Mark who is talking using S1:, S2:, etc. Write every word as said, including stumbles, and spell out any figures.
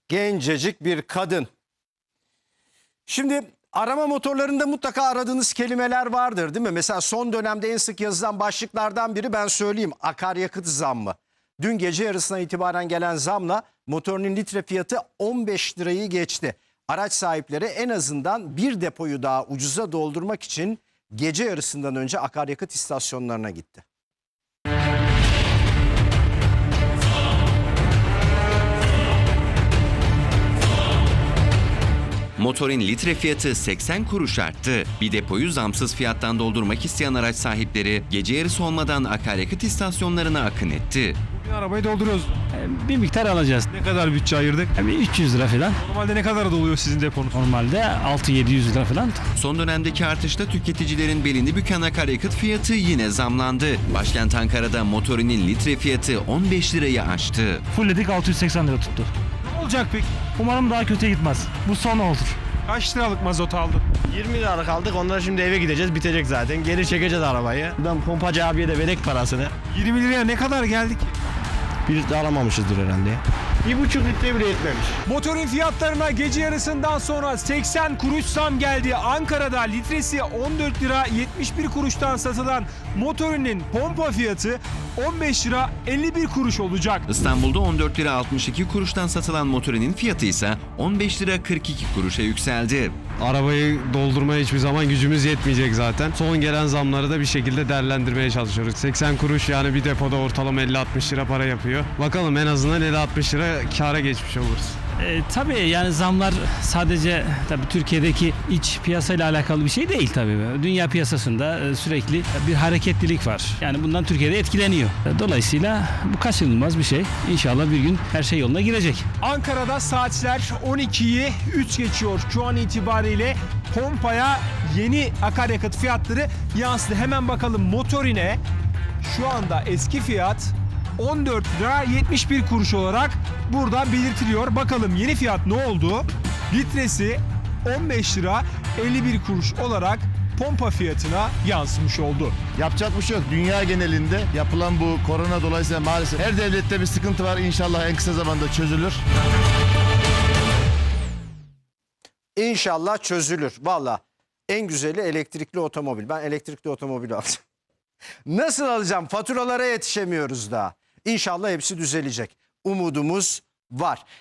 S1: Gencecik bir kadın. Şimdi arama motorlarında mutlaka aradığınız kelimeler vardır değil mi? Mesela son dönemde en sık yazılan başlıklardan biri, ben söyleyeyim, akaryakıt zammı. Dün gece yarısına itibaren gelen zamla motorunun litre fiyatı on beş lirayı geçti. Araç sahipleri en azından bir depoyu daha ucuza doldurmak için gece yarısından önce akaryakıt istasyonlarına gitti.
S2: Motorun litre fiyatı seksen kuruş arttı. Bir depoyu zamsız fiyattan doldurmak isteyen araç sahipleri gece yarısı olmadan akaryakıt istasyonlarına akın etti.
S3: Bugün arabayı dolduruyoruz.
S4: Bir miktar alacağız.
S3: Ne kadar bütçe ayırdık?
S4: Yani üç yüz lira falan.
S3: Normalde ne kadar doluyor sizin deponuz?
S4: Normalde altı yedi yüz lira falan.
S2: Son dönemdeki artışta tüketicilerin belini büken akaryakıt fiyatı yine zamlandı. Başkent Ankara'da motorinin litre fiyatı on beş lirayı aştı.
S4: Fullledik altı yüz seksen lira tuttu.
S3: Ne olacak peki?
S4: Umarım daha kötüye gitmez. Bu son olur.
S3: Kaç liralık mazot aldın?
S5: yirmi liralık aldık. Ondan şimdi eve gideceğiz. Bitecek zaten. Geri çekeceğiz arabayı. Buradan pompacı abiye de verek parasını.
S3: yirmi liraya ne kadar geldik?
S5: Bir de alamamışızdır herhalde. Bir buçuk litre bile yetmemiş.
S3: Motorun fiyatlarına gece yarısından sonra seksen kuruş zam geldi. Ankara'da litresi on dört lira yetmiş bir kuruştan satılan motorinin pompa fiyatı on beş lira elli bir kuruş olacak.
S2: İstanbul'da on dört lira altmış iki kuruştan satılan motorinin fiyatı ise on beş lira kırk iki kuruşa yükseldi.
S6: Arabayı doldurmaya hiçbir zaman gücümüz yetmeyecek zaten. Son gelen zamları da bir şekilde değerlendirmeye çalışıyoruz. seksen kuruş yani bir depoda ortalama elli altmış lira para yapıyor. Bakalım en azından elli altmış lira kâra geçmiş oluruz.
S4: E, tabii yani zamlar sadece tabii Türkiye'deki iç piyasayla alakalı bir şey değil tabii. Dünya piyasasında e, sürekli bir hareketlilik var. Yani bundan Türkiye'de etkileniyor. E, Dolayısıyla bu kaçınılmaz bir şey. İnşallah bir gün her şey yoluna girecek.
S3: Ankara'da saatler on ikiyi üç geçiyor. Şu an itibariyle pompaya yeni akaryakıt fiyatları yansıdı. Hemen bakalım motorine. Şu anda eski fiyat on dört lira yetmiş bir kuruş olarak burada belirtiliyor. Bakalım yeni fiyat ne oldu? Litresi on beş lira elli bir kuruş olarak pompa fiyatına yansımış oldu.
S7: Yapacak bir şey yok. Dünya genelinde yapılan bu korona dolayısıyla maalesef her devlette bir sıkıntı var. İnşallah en kısa zamanda çözülür.
S1: İnşallah çözülür. Valla en güzeli elektrikli otomobil. Ben elektrikli otomobil alacağım. Nasıl alacağım? Faturalara yetişemiyoruz daha. İnşallah hepsi düzelecek. Umudumuz var.